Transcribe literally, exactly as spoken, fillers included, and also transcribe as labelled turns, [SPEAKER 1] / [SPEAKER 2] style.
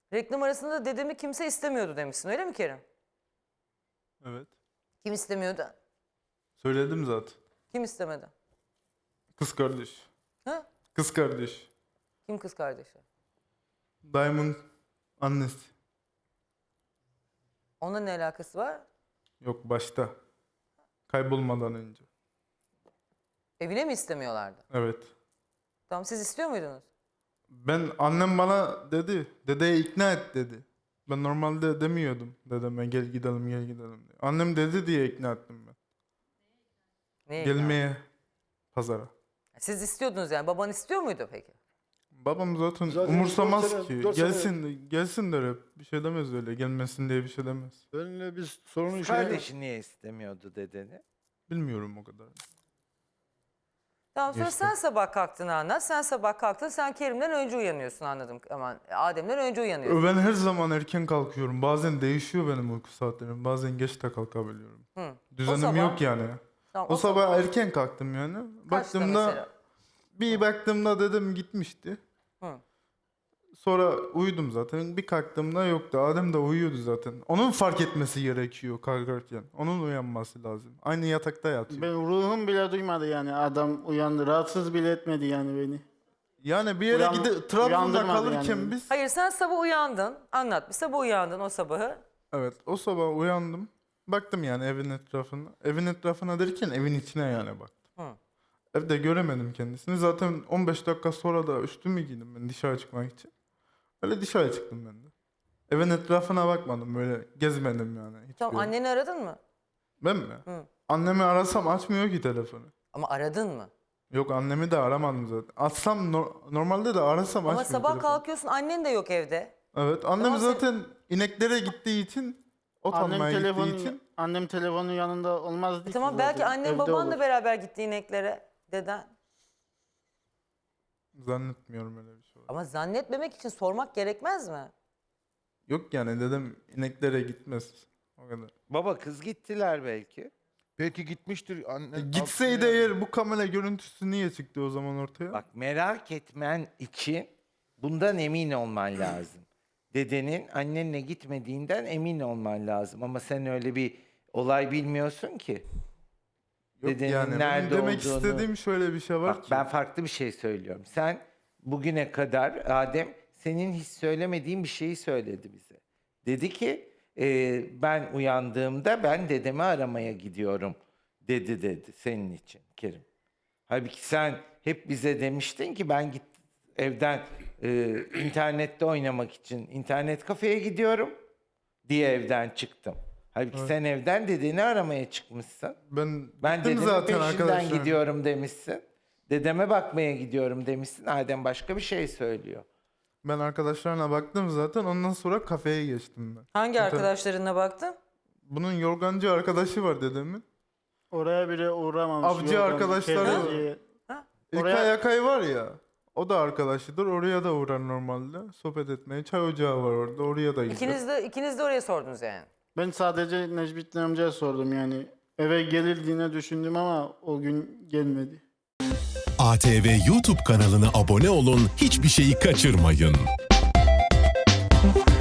[SPEAKER 1] Reklam arasında dedemi kimse istemiyordu demişsin, öyle mi Kerim?
[SPEAKER 2] Evet.
[SPEAKER 1] Kim istemiyordu?
[SPEAKER 2] Söyledim zaten.
[SPEAKER 1] Kim istemedi?
[SPEAKER 2] Kız kardeş.
[SPEAKER 1] Ha?
[SPEAKER 2] Kız kardeş.
[SPEAKER 1] Kim kız kardeşi?
[SPEAKER 2] Dayımın annesi.
[SPEAKER 1] Onunla ne alakası var?
[SPEAKER 2] Yok başta. Kaybolmadan önce.
[SPEAKER 1] Evine mi istemiyorlardı?
[SPEAKER 2] Evet.
[SPEAKER 1] Tamam, siz istiyor muydunuz?
[SPEAKER 2] Ben annem bana dedi. Dedeye ikna et dedi. Ben normalde demiyordum dedeme gel gidelim gel gidelim diye. Annem dedi diye ikna ettim ben.
[SPEAKER 1] Neye ikna?
[SPEAKER 2] Gelmeye pazara.
[SPEAKER 1] Siz istiyordunuz yani. Baban istiyor muydu peki?
[SPEAKER 2] Babam zaten,
[SPEAKER 3] Zaten
[SPEAKER 2] umursamaz
[SPEAKER 3] dört sene-
[SPEAKER 2] ki.
[SPEAKER 3] dört sene-
[SPEAKER 2] Gelsin gelsin der hep. Bir şey demez öyle. Gelmesin diye bir şey demez.
[SPEAKER 3] Benimle biz sorunu
[SPEAKER 4] Kız
[SPEAKER 3] şey...
[SPEAKER 4] kardeşi niye istemiyordu dedeni?
[SPEAKER 2] Bilmiyorum o kadar.
[SPEAKER 1] Tamam, sonra
[SPEAKER 2] İşte.
[SPEAKER 1] sen sabah kalktığını anlat. Sen sabah kalktın, sen Kerim'den önce uyanıyorsun, anladım. Aman Adem'den önce uyanıyorsun.
[SPEAKER 2] Ben her zaman erken kalkıyorum. Bazen değişiyor benim uyku saatlerim. Bazen geç de kalkabiliyorum.
[SPEAKER 1] Hı.
[SPEAKER 2] Düzenim
[SPEAKER 1] sabah-
[SPEAKER 2] yok yani.
[SPEAKER 1] Tamam,
[SPEAKER 2] O, sabah erken kalktım yani.
[SPEAKER 1] Kaçta
[SPEAKER 2] Baktığımda
[SPEAKER 1] mesela?
[SPEAKER 2] bir baktığımda dedem gitmişti.
[SPEAKER 1] Hı.
[SPEAKER 2] Sonra uyudum zaten. Bir kalktığımda yoktu. Adem de uyuyordu zaten. Onun fark etmesi gerekiyor kalkarken. Onun uyanması lazım. Aynı yatakta yatıyor.
[SPEAKER 5] Ben ruhum bile duymadı yani adam uyandı. Rahatsız bile etmedi yani beni.
[SPEAKER 2] Yani bir yere
[SPEAKER 5] Uyan-
[SPEAKER 2] gidip Trabzon'da
[SPEAKER 5] uyandırmadı
[SPEAKER 2] kalırken
[SPEAKER 5] yani.
[SPEAKER 2] biz...
[SPEAKER 1] Hayır, sen sabah uyandın. Anlat. Bir sabah uyandın o sabahı.
[SPEAKER 2] Evet, o sabah uyandım. Baktım yani evin etrafına. Evin etrafına derken evin içine yani baktım.
[SPEAKER 1] Hı.
[SPEAKER 2] Evde göremedim kendisini. Zaten on beş dakika sonra da üstümü giydim ben dışarı çıkmak için. Öyle dışarı çıktım ben de. Evin etrafına bakmadım, böyle gezmedim yani. hiçbir
[SPEAKER 1] Tamam,
[SPEAKER 2] yere.
[SPEAKER 1] anneni aradın mı?
[SPEAKER 2] Ben mi?
[SPEAKER 1] Hı.
[SPEAKER 2] Annemi arasam açmıyor ki telefonu.
[SPEAKER 1] Ama aradın mı?
[SPEAKER 2] Yok, annemi de aramadım zaten. Açsam no- normalde de arasam
[SPEAKER 1] Ama
[SPEAKER 2] açmıyor
[SPEAKER 1] sabah
[SPEAKER 2] telefonu.
[SPEAKER 1] kalkıyorsun, annen de yok evde.
[SPEAKER 2] Evet, annem
[SPEAKER 1] Tamam, sen-
[SPEAKER 2] zaten ineklere gittiği için, ot
[SPEAKER 5] Annem
[SPEAKER 2] almaya gittiği
[SPEAKER 5] telefonu
[SPEAKER 2] için.
[SPEAKER 5] annem telefonu yanında olmazdı
[SPEAKER 1] E
[SPEAKER 5] ki
[SPEAKER 1] tamam,
[SPEAKER 5] zaten.
[SPEAKER 1] belki annen
[SPEAKER 5] Evde
[SPEAKER 1] babanla
[SPEAKER 5] olur.
[SPEAKER 1] beraber gitti ineklere. Deden.
[SPEAKER 2] Zannetmiyorum öyle bir şey olur.
[SPEAKER 1] Ama zannetmemek için sormak gerekmez mi?
[SPEAKER 2] Yok yani dedim ineklere gitmez. O kadar.
[SPEAKER 4] Baba kız gittiler belki.
[SPEAKER 3] Belki gitmiştir anne.
[SPEAKER 2] E, gitseydi eğer bu kamera görüntüsü niye çıktı o zaman ortaya?
[SPEAKER 4] Bak merak etmen için bundan emin olman lazım. Dedenin annenle gitmediğinden emin olman lazım. Ama sen öyle bir olay bilmiyorsun ki.
[SPEAKER 2] Yok
[SPEAKER 4] dedenin
[SPEAKER 2] yani benim
[SPEAKER 4] nerede
[SPEAKER 2] demek
[SPEAKER 4] olduğunu-
[SPEAKER 2] istediğim şöyle bir şey var
[SPEAKER 4] Bak
[SPEAKER 2] ki.
[SPEAKER 4] ben farklı bir şey söylüyorum. Sen bugüne kadar Adem senin hiç söylemediğin bir şeyi söyledi bize. Dedi ki e, ben uyandığımda ben dedemi aramaya gidiyorum dedi dedi senin için Kerim. Halbuki sen hep bize demiştin ki ben git evden e, internette oynamak için internet kafeye gidiyorum diye evden çıktım. Halbuki sen evden dedeni aramaya çıkmışsın.
[SPEAKER 2] Ben,
[SPEAKER 4] Ben
[SPEAKER 2] gittim
[SPEAKER 4] dedemin
[SPEAKER 2] zaten
[SPEAKER 4] peşinden
[SPEAKER 2] arkadaşlar.
[SPEAKER 4] gidiyorum demişsin. Dedeme bakmaya gidiyorum demişsin. Adem başka bir şey söylüyor.
[SPEAKER 2] Ben arkadaşlarına baktım zaten, ondan sonra kafeye geçtim ben.
[SPEAKER 1] Hangi
[SPEAKER 2] İnternet-
[SPEAKER 1] arkadaşlarına baktın?
[SPEAKER 2] Bunun yorgancı arkadaşı var dedemin.
[SPEAKER 5] Oraya bile uğramamış.
[SPEAKER 2] Avcı
[SPEAKER 5] yorgan,
[SPEAKER 2] arkadaşları-
[SPEAKER 5] kereciye.
[SPEAKER 2] İlkay
[SPEAKER 5] Oraya-
[SPEAKER 2] Akay var ya, o da arkadaşıdır. Oraya da uğrar normalde. Sohbet etmeye. Çay ocağı var orada. Oraya da gider.
[SPEAKER 1] İkiniz de, ikiniz de oraya sordunuz yani.
[SPEAKER 5] Ben sadece Necmettin amcaya sordum yani. Eve gelirdiğine düşündüm ama o gün gelmedi.
[SPEAKER 6] A T V YouTube kanalına abone olun, hiçbir şeyi kaçırmayın.